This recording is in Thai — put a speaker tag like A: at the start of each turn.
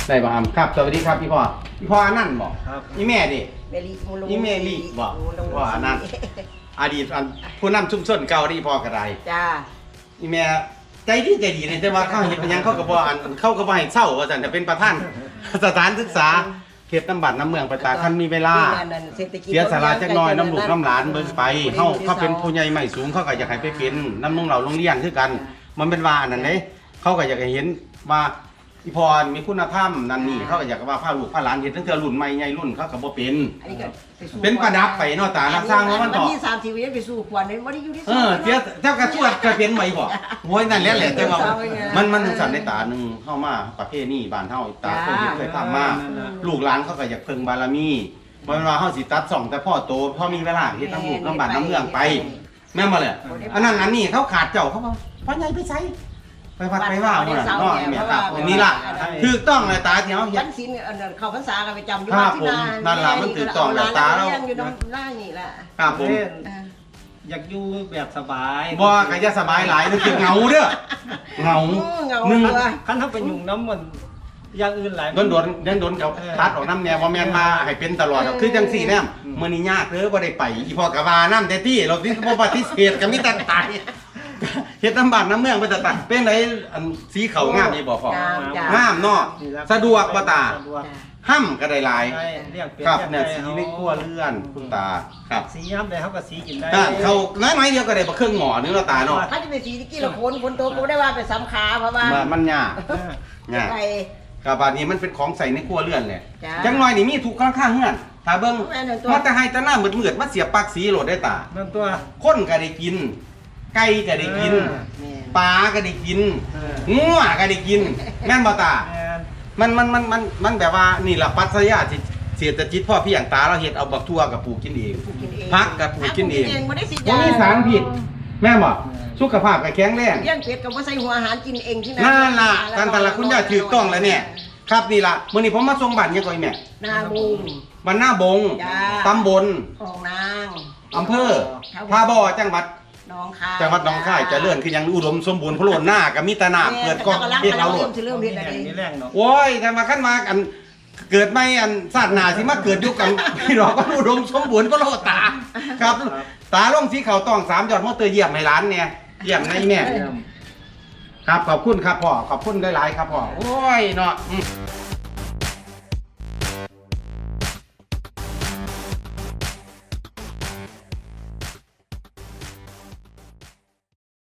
A: ได้บ่ครับครับสวัสดีครับพี่พ่ออันนั่นบอก
B: ครับ
A: อีแม่ดิ
C: เมลีมูล
A: อีแม่ลีบอกพ่ออันนั่นอดีตผู้นำชุมชนเก่าที่พ่อกระได
C: จ้า
A: อีแม่ใจดีเลยแต่ว่าเขาเห็นยังเขาก็บ่เขาก็บ่ให้เศร้าว่าซั่นจะเป็นประธานสถานศึกษาเขตตำบลน้ำเมืองประตาคันมีเวลาเสียสาระจักหน่อยน้ำลูกน้ำหลานเบิ่งไปเขาเป็นผู้ใหญ่ใหม่สูงเขาก็อยากให้ไปเป็นน้ำนุ่งเหล่าโรงเรียนคือกัน มันเป็นว่าอันนั้นเด้เขาก็อยากให้เห็นว่าอีพรมีคุณธรรมนั่นนี่เขาก็อยากว่าพาลูกพาหลานเห็นตั้งแต่รุ่นใหม่ใหญ่รุ่นเขาก็บ่เป็นเป็นประดับไปเนาะตานักสร้างว่ามันต่อ
C: ที่30วิไปสู่ขวัญบ่ได้อยู่ที่
A: เจ้ากระชวดกระเป็นไหวบ่โว้ยนั่นแหละแต่ว่ามันสั่นในตาหนึงเข้ามาประเภทนี้บ้านเฮาตาเคยทำมาลูกหลานเขาก็อยากเพิ่งบารมีบ่แม่นว่าเฮาสิตัด2แต่พ่อโตพอมีเวลาเฮ็ดน้ำลูกน้ำบ้านน้ำเมืองไปแม่นบ่เลยอันนั้นอันนี้เขาขาดเจ้าเขาบ่พ่อใหญ่ไปไสไปวัดไปว่าพุ่นน่ะเนาะแม่ครับนี่ล่ะถูกต้องเลยตาที่เฮาเฮ็
C: วั
A: ด
C: นศีลเข้าพรรษาก็ไปจำอยู่
A: ครับผมนั่นล่ะมันถูกต้องแล้วตาเรา
C: อยู่น้ำล่างนี่ล่ะ
A: ครับผม
B: อยากอยู่แบบสบาย
A: บ่ก็จะสบายหลายนึกถึงเหงาเด้อเหงา
C: หนึ่ง
B: ขั้นถ้าไปยุ่งน้ำมันอย่างอื่นหลาย
A: โดนเขาตัดออกน้ำแนวว่าแม่นมาให้เป็นตลอดคือจังสี่แนมมื้อนี้ยากเด้อบ่ได้ไปอีพ่อก็ว่าน้ำแต่ที่เราสิบ่ปฏิเสธก็มีแต่ตายเฮ็ดน้ำบ้านน้ำเมืองไปแต่ตายเป็นไดอันสีเขางามนี่บ่พ่องามเนาะสะดวกบ่ตาห้ำก็ได้หลาย
B: เรียกเป็น
A: ครับเนี่ยสีในครัวเรือนคุณตาครับ
B: สีย้ำได้เขาก็สีกินได้
A: เขาน้อยๆเดียวก็ได้บ่เครื่องหม้อนึงเนาะตาเนาะ
C: ถ้าจะไปสีตะกี้ละคนโตก็ได้ว่าไปสำขาเพราะว่า
A: มันยากยาก
C: ไป
A: กับบาดนี้มันเป็นของใส่ในครัวเรือนแหละ
C: จ้ะ
A: จังน้อยนี่มีทุกข้างๆเฮือนถ้าเบิ่ง
C: แม่นตัว
A: มาแต่ให้แต่หน้ามืดๆมาเสียบปลั๊กสีโหลดได้ตา
B: นั่นตัว
A: คนก็ได้กิน ไก่ก็ได้กิน ปลาก็ได้กินงัวก็ได้กิน แม่นบ่ตา มันแบบว่านี่ล่ะปรัชญาเศรษฐกิจพ่อพี่อย่างตาเราเฮ็ดเอาบักทั่วกับปลูกกินเองผักกับปลูกกินเอง
C: บ่ได้สิ
A: บ่มีสารพิษแม่นบ่สุขภาพก็แข็งแรง
C: เลี้ยงเป็ดก็บ่ใส่หัวอาหารกินเองที่
A: นั่นล่ะการตลาดคุณย่าถูกต้องแล้วเนี่ยครับนี่ล่ะมื้อนี้ผมมาส่งบ้านยังก่อนแม่
C: นาบุง
A: บ้านหน้าบง
C: จ้า
A: ตำบล
C: ของนาง
A: อำเภอท่าบ่อจังหวัด
C: น้องคาย
A: จังหวัดหนองคายเจริญคือยังอุดมสมบูรณ์พะโล้นหน้าก็มีแต่น้ำเกิดก่อนเฮ็ดเอาโลด
C: เริ่มเฮ็ดอะไร
B: นี่แรงเนาะ
A: โอ้ยแต่มาขั้นมาอันเกิดไม่อันชาติหน้าสิมาเกิดอยู่กันพี่น้องก็อุดมสมบูรณ์พะโล้ตาครับ ตาลงสีเขาต้อง3ยอดมอเตอร์เยี่ยมให้ร้านเนี่ยเยี่ยมในแม่ครับขอบคุณครับพ่อขอบคุณหลายๆครับพ่อโอ้ยเนาะ